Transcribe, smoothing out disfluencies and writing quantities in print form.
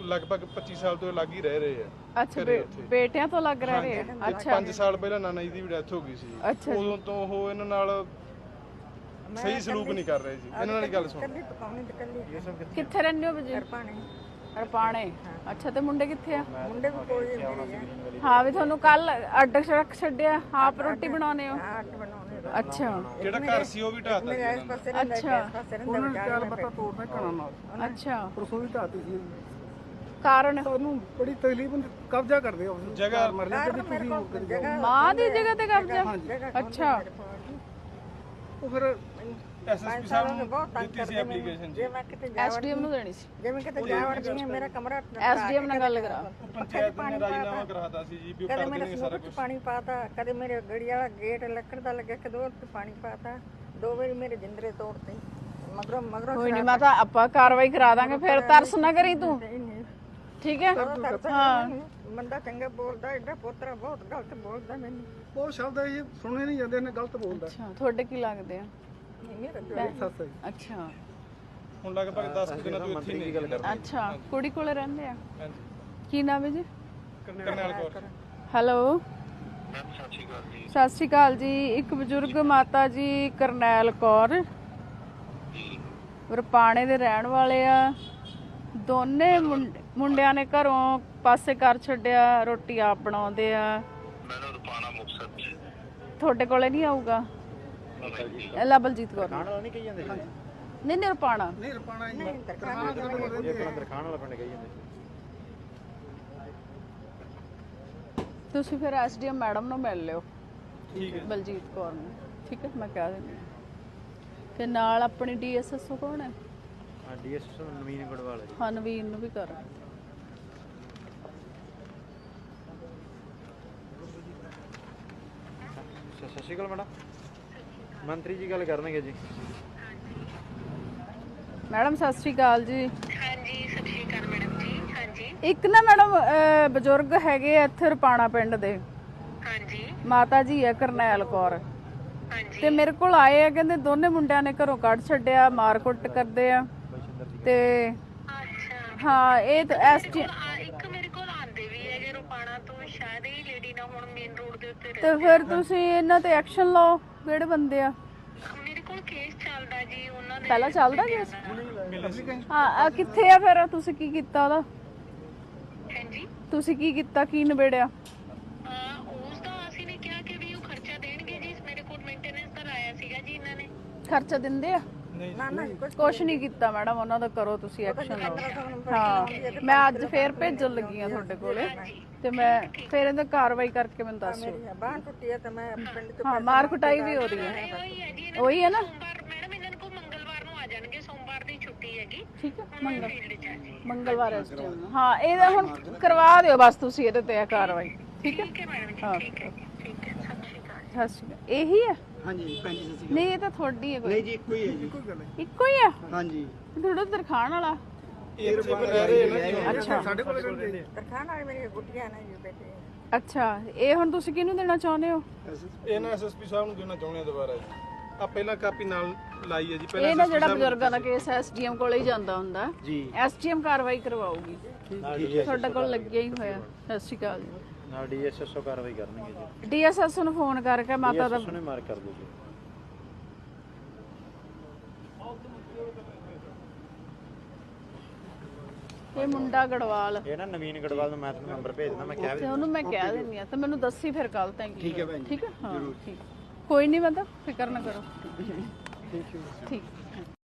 ਲਗਭਗ 25 ਸਾਲ ਤੋਂ ਲੱਗ ਹੀ ਰਹਿ ਰਹੇ ਆ। ਅੱਛਾ ਬੇਟਿਆਂ ਤੋਂ ਲੱਗ ਰਹੇ ਆ। ਅੱਛਾ 5 ਸਾਲ ਪਹਿਲਾਂ ਨਾਨਾ ਜੀ ਦੀ ਵੀ ਡੈਥ ਹੋ ਗਈ ਸੀ। ਅੱਛਾ ਉਦੋਂ ਤੋਂ ਉਹ ਇਹਨਾਂ ਨਾਲ ਸਹੀ ਸਲੂਕ ਨਹੀਂ ਕਰ ਰਹੇ ਜੀ। ਇਹਨਾਂ ਨਾਲ ਹੀ ਗੱਲ ਸੁਣ। ਕਿੱਥੇ ਰਹਿੰਦੇ ਹੋ ਬਜੀ? ਰਪਾਣੇ। ਅੱਛਾ ਤੇ ਮੁੰਡੇ ਕਿੱਥੇ ਆ? ਮੁੰਡੇ ਵੀ ਕੋਈ ਨਹੀਂ। ਹਾਂ ਵੀ ਤੁਹਾਨੂੰ ਕੱਲ ਅੱਡ ਰੱਖ ਛੱਡਿਆ, ਆਪ ਰੋਟੀ ਬਣਾਉਣੇ ਹੋ? ਅੱਛਾ ਜਿਹੜਾ ਘਰ ਸੀ ਉਹ ਵੀ ਢਾਤਾ ਜੀ ਇਹਨਾਂ ਨੇ। ਅੱਛਾ ਉਹਨਾਂ ਨੇ ਚਾਰ ਬੱਤਾ ਤੋੜਨਾ ਘਰਾਂ ਨਾਲ। ਅੱਛਾ ਪਰਸੋਂ ਵੀ ਢਾਤੀ ਸੀ। ਕਾਰਨ ਸਾਨੂੰ ਬੜੀ ਤਕਲੀਫ ਹੁੰਦੀ, ਕਬਜ਼ਾ ਕਰਦੇ ਆ ਉਸ ਜਗ੍ਹਾ ਮਰ ਲੈ ਕਿ ਤੁਸੀਂ ਮੁੱਕ ਜਾਓ। ਮਾਂ ਦੀ ਜਗ੍ਹਾ ਤੇ ਕਬਜ਼ਾ? ਅੱਛਾ ਉਹ ਫਿਰ ਐਸਐਸਪੀ ਸਾਹਿਬ ਨੂੰ ਦਿੱਤੀ ਸੀ ਐਪਲੀਕੇਸ਼ਨ ਜੀ। ਜੇ ਮੈਂ ਕਿਤੇ ਐਸਡੀਐਮ ਨੂੰ ਦੇਣੀ ਸੀ। ਜਿਵੇਂ ਕਿਤੇ ਜਾਵੜ ਜੀ ਮੇਰਾ ਕਮਰਾ ਐਸਡੀਐਮ ਨਾਲ ਗੱਲ ਕਰਾ। ਪੰਚਾਇਤ ਨੇ ਰਾਜੀਨਾਮਾ ਕਰਾਤਾ ਸੀ ਜੀ ਵੀ ਉਹ ਕਦੇ ਕਰ ਮੇਰੇ ਦੇਣਗੇ ਸਾਰਾ ਸਨੂਕ ਚ ਪਾਣੀ ਪਾਤਾ, ਕਦੇ ਮੇਰੇ ਗੜੀ ਵਾਲਾ ਗੇਟ ਲੱਕੜ ਦਾ ਲੱਗਿਆ, ਕਦੇ ਉਹ ਤੇ ਪਾਣੀ ਪਾਤਾ। 2 ਵਾਰੀ ਮੇਰੇ ਜਿੰਦਰੇ ਤੋੜਤੇ। ਮਗਰੋਂ ਕੋਈ ਨਹੀਂ ਮਾਤਾ, ਆਪਾਂ ਕਾਰਵਾਈ ਕਰਾ ਦਾਂਗੇ। ਫਿਰ ਤਰਸ ਨਾ ਕਰੀ ਤੂੰ, ਠੀਕ ਹੈ? ਹਾਂ ਬੰਦਾ ਚੰਗਾ ਬੋਲਦਾ, ਐਡਾ ਪੋਤਰਾ ਬਹੁਤ ਗਲਤ ਬੋਲਦਾ ਮੈਨੂੰ। ਉਹ ਸ਼ਬਦ ਇਹ ਸੁਣੇ ਨਹੀਂ ਜਾਂਦੇ ਨੇ, ਗਲਤ ਬੋਲਦਾ। ਅੱਛਾ ਤੁਹਾਡੇ ਕੀ ਲੱਗਦੇ ਆ? ਸੱਸ ਹੈ। ਅੱਛਾ ਹੁਣ ਲਗਭਗ 10 ਦਿਨਾਂ ਤੋਂ ਇੱਥੇ ਨਹੀਂ ਗੱਲ ਕਰਦੇ। ਅੱਛਾ ਕੁੜੀ ਕੋਲੇ ਰਹਿੰਦੇ ਆ? ਹਾਂਜੀ ਕੀ ਨਾਮ ਹੈ ਜੀ? ਕਰਨੈਲ ਕੌਰ। ਹੈਲੋ ਸਤਿ ਸ਼੍ਰੀ ਅਕਾਲ ਜੀ। ਇੱਕ ਬਜ਼ੁਰਗ ਮਾਤਾ ਜੀ ਕਰਨੈਲ ਕੌਰ ਰਪਾਣੇ ਦੇ ਰਹਿਣ ਵਾਲੇ ਆ। ਦੋਨੇ ਮੁੰਡਿਆਂ ਨੇ ਘਰੋਂ ਪਾਸੇ ਕਰ ਛੱਡਿਆ, ਰੋਟੀ ਆਪ ਬਣਾਉਂਦੇ ਆ। ਮੈਨੂੰ ਰਪਾਣਾ ਮੁਕਤਸਰ ਚ ਤੁਹਾਡੇ ਕੋਲੇ ਨਹੀਂ ਆਊਗਾ? ਅੱਲਾ ਬਲਜੀਤ ਕੌਰ ਨਹੀਂ ਕਹੀ ਜਾਂਦੇ। ਨਹੀਂ ਨਹੀਂ ਰਪਾਣਾ ਨਹੀਂ ਰਪਾਣਾ ਹੀ ਦਰਖਾਣ ਵਾਲਾ ਪਿੰਡ ਕਹੀ ਜਾਂਦੇ। ਤੁਸੀਂ ਫਿਰ ਐਸਡੀਐਮ ਮੈਡਮ ਨੂੰ ਮਿਲ ਲਿਓ, ਠੀਕ ਹੈ ਬਲਜੀਤ ਕੌਰ ਨੂੰ, ਠੀਕ ਹੈ? ਮੈਂ ਕਹਿ ਦਿੰਦੀ ਤੇ ਨਾਲ ਆਪਣੀ ਡੀਐਸਐਸਓ ਕੌਣ ਹੈ? ਹਾਂ ਡੀਐਸਐਸ ਨਵੀਨ ਗੜਵਾਲ ਜੀ। ਹਾਂ ਨਵੀਨ ਨੂੰ ਵੀ ਕਰ। ਸਤਿ ਸ਼੍ਰੀ ਅਕਾਲ ਮੈਡਮ, ਮੰਤਰੀ ਜੀ ਗੱਲ ਕਰਨਗੇ ਜੀ। ਮੈਡਮ ਸਤਿ ਸ਼੍ਰੀ ਅਕਾਲ ਜੀ। ਹਾਂਜੀ ਸਤਿ ਸ਼੍ਰੀ ਅਕਾਲ ਮੈਡਮ ਜੀ। ਹਾਂਜੀ ਇੱਕ ਨਾ ਮੈਡਮ ਬਜ਼ੁਰਗ ਹੈਗੇ ਆ ਇੱਥੇ ਰਪਾਣਾ ਪਿੰਡ ਦੇ, ਹਾਂਜੀ ਮਾਤਾ ਜੀ ਆ ਕਰਨੈਲ ਕੌਰ, ਹਾਂਜੀ ਤੇ ਮੇਰੇ ਕੋਲ ਆਏ ਆ, ਕਹਿੰਦੇ ਦੋਨੇ ਮੁੰਡਿਆਂ ਨੇ ਘਰੋਂ ਕੱਢ ਛੱਡਿਆ, ਮਾਰ ਕੁੱਟ ਕਰਦੇ ਆ। ਤੇ ਅੱਛਾ ਹਾਂ ਇਹ ਤਾਂ ਐਸਟੀ ਇੱਕ ਮੇਰੇ ਕੋਲ ਆਂਦੇ ਵੀ ਹੈਗੇ ਰੁਪਾਣਾ ਤੋਂ, ਸ਼ਾਇਦ ਇਹ ਲੇਡੀ ਨਾ ਹੁਣ ਮੇਨ ਰੋਡ ਦੇ ਉੱਤੇ ਤੇ ਫਿਰ ਤੁਸੀਂ ਇਹਨਾਂ ਤੇ ਐਕਸ਼ਨ ਲਓ। ਕਿਹੜੇ ਬੰਦੇ ਆ? ਮੇਰੇ ਕੋਲ ਕੇਸ ਚੱਲਦਾ ਜੀ ਉਹਨਾਂ ਦੇ। ਪਹਿਲਾਂ ਚੱਲਦਾ ਕੇਸ? ਹਾਂ ਕਿੱਥੇ ਆ ਫਿਰ? ਤੁਸੀਂ ਕੀ ਕੀਤਾ ਉਹਦਾ? ਹਾਂਜੀ ਤੁਸੀਂ ਕੀ ਕੀਤਾ, ਕੀ ਨਿਬੇੜਿਆ? ਉਸ ਦਾ ਅਸੀਂ ਨੇ ਕਿਹਾ ਕਿ ਵੀ ਉਹ ਖਰਚਾ ਦੇਣਗੇ ਜੀ। ਮੇਰੇ ਕੋਲ ਮੇਨਟੇਨੈਂਸ ਦਾ ਲਾਇਆ ਸੀਗਾ ਜੀ ਇਹਨਾਂ ਨੇ। ਖਰਚਾ ਦਿੰਦੇ ਆ? ਨਾ ਨਾ ਕੁਛ ਨਹੀਂ ਕੀਤਾ ਮੈਡਮ ਉਹਨਾਂ ਦਾ। ਕਰੋ ਤੁਸੀਂ ਐਕਸ਼ਨ ਲਓ। ਹਾਂ ਮੈਂ ਅੱਜ ਫੇਰ ਭੇਜਣ ਲੱਗੀ ਆ ਤੁਹਾਡੇ ਕੋਲੇ, ਤੇ ਮੈਂ ਫੇਰ ਇਹਦਾ ਕਾਰਵਾਈ ਕਰਕੇ ਮੈਨੂੰ ਦੱਸਿਓ। ਬਾਂਹ ਟੁੱਟੀ ਹੈ ਤੇ ਮੈਂ ਪਿੰਡ ਚ ਹਾਂ ਮਾਰ ਕੁਟਾਈ ਵੀ ਹੋ ਰਹੀ ਹੈ। ਉਹੀ ਹੈ ਜੀ। ਉਹੀ ਹੈ ਨਾ? ਸੋਮਵਾਰ ਮੈਡਮ ਇਹਨਾਂ ਨੂੰ ਮੰਗਲਵਾਰ ਨੂੰ ਆ ਜਾਣਗੇ। ਸੋਮਵਾਰ ਦੀ ਛੁੱਟੀ ਹੈਗੀ। ਠੀਕ ਹੈ ਫੀਲਡ ਚ ਆ ਜੀ। ਮੰਗਲਵਾਰ ਇਸ ਟਾਈਮ। ਹਾਂ ਇਹਦਾ ਹੁਣ ਕਰਵਾ ਦਿਓ ਬਸ ਤੁਸੀਂ ਇਹਦੇ ਤੇ ਕਾਰਵਾਈ, ਠੀਕ ਹੈ? ਠੀਕ ਹੈ ਮੈਡਮ ਜੀ। ਠੀਕ ਹੈ ਠੀਕ ਹੈ। ਸਤਿ ਸ਼੍ਰੀ ਅਕਾਲ। ਸਤਿ ਸ਼੍ਰੀ ਅਕਾਲ। ਇਹੀ ਹੈ? ਹਾਂਜੀ ਭੈਣ ਜੀ ਸੱਚੀ। ਨਹੀਂ ਇਹ ਤਾਂ ਤੁਹਾਡੀ ਹੈ ਕੋਈ? ਨਹੀਂ ਜੀ ਇੱਕੋ ਹੀ ਹੈ ਜੀ। ਇੱਕੋ ਗੱਲ ਹੈ। ਇੱਕੋ ਹੀ ਆ? ਹਾਂਜੀ ਥੋੜਾ ਦਰਖਾਣ ਵਾਲਾ। ਇਹ ਰਹਿ ਰਹੇ ਨੇ ਜੀ। ਅੱਛਾ ਸਾਡੇ ਕੋਲ ਰਹਿੰਦੇ ਜੀ। ਤਰਖਾਣ ਵਾਲੀ ਮੇਰੀ ਗੁੱਟੀਆਂ ਨੇ ਜੀ ਬੇਟੇ। ਅੱਛਾ ਇਹ ਹੁਣ ਤੁਸੀਂ ਕਿਹਨੂੰ ਦੇਣਾ ਚਾਹੁੰਦੇ ਹੋ? ਇਹਨਾਂ ਐਸਐਸਪੀ ਸਾਹਿਬ ਨੂੰ ਦੇਣਾ ਚਾਹੁੰਦੇ ਆ ਦੁਬਾਰਾ ਜੀ। ਆ ਪਹਿਲਾਂ ਕਾਪੀ ਨਾਲ ਲਾਈ ਹੈ ਜੀ। ਇਹ ਨਾ ਜਿਹੜਾ ਬਜ਼ੁਰਗਾਂ ਦਾ ਕੇਸ ਐਸਡੀਐਮ ਕੋਲੇ ਹੀ ਜਾਂਦਾ ਹੁੰਦਾ ਜੀ। ਐਸਡੀਐਮ ਕਾਰਵਾਈ ਕਰਵਾਉਗੀ। ਤੁਹਾਡੇ ਕੋਲ ਲੱਗਿਆ ਹੀ ਹੋਇਆ। ਸਤਿ ਸ਼੍ਰੀ ਅਕਾਲ ਜੀ। ਨਾਲ ਡੀਐਸਐਸਓ ਕਾਰਵਾਈ ਕਰਨਗੇ ਜੀ। ਡੀਐਸਐਸ ਨੂੰ ਫੋਨ ਕਰਕੇ ਮਾਤਾ ਦਾ ਨੇ ਮਾਰ ਕਰ ਦਿਓ ਜੀ। ਇਹ ਮੁੰਡਾ ਗੜਵਾਲ, ਇਹ ਨਾ ਨਵੀਨ ਗੜਵਾਲ ਨੂੰ ਮੈਂ ਤੁਹਾਨੂੰ ਨੰਬਰ ਭੇਜ ਦਿੰਦਾ। ਮੈਂ ਕਿਹਾ ਤੇ ਉਹਨੂੰ ਮੈਂ ਕਹਿ ਦਿੰਦੀ ਆ, ਤੇ ਮੈਨੂੰ ਦੱਸੀ ਫਿਰ ਕੱਲ ਤੱਕ। ਠੀਕ ਹੈ ਭੈਣ ਜੀ। ਠੀਕ ਹੈ ਹਾਂ ਠੀਕ। ਕੋਈ ਨਹੀਂ ਮਤਲਬ ਫਿਕਰ ਨਾ ਕਰੋ। ਠੀਕ